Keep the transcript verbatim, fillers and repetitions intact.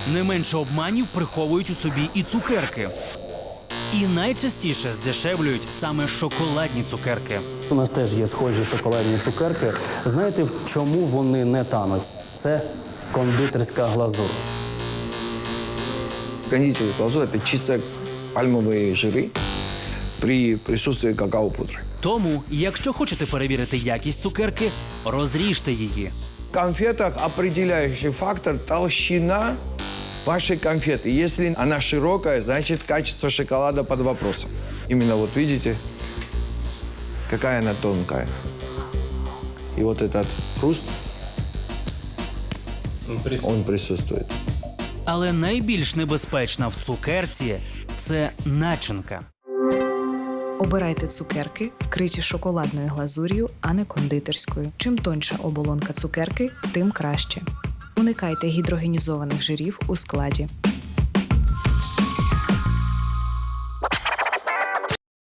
Не менше обманів приховують у собі і цукерки. І найчастіше здешевлюють саме шоколадні цукерки. У нас теж є схожі шоколадні цукерки. Знаєте, в чому вони не тануть? Це кондитерська глазур. Кондитерская глазурь – это чисто пальмовые жиры при присутствии какао-пудры. Тому, якщо хочете перевірити якість цукерки, розріжте її. В конфетах определяющий фактор – толщина вашей конфеты. Если она широкая, значит качество шоколада под вопросом. Именно вот видите, какая она тонкая. И вот этот хруст, он присутствует. Але найбільш небезпечна в цукерці – це начинка. Обирайте цукерки, вкриті шоколадною глазур'ю, а не кондитерською. Чим тоньша оболонка цукерки, тим краще. Уникайте гідрогенізованих жирів у складі.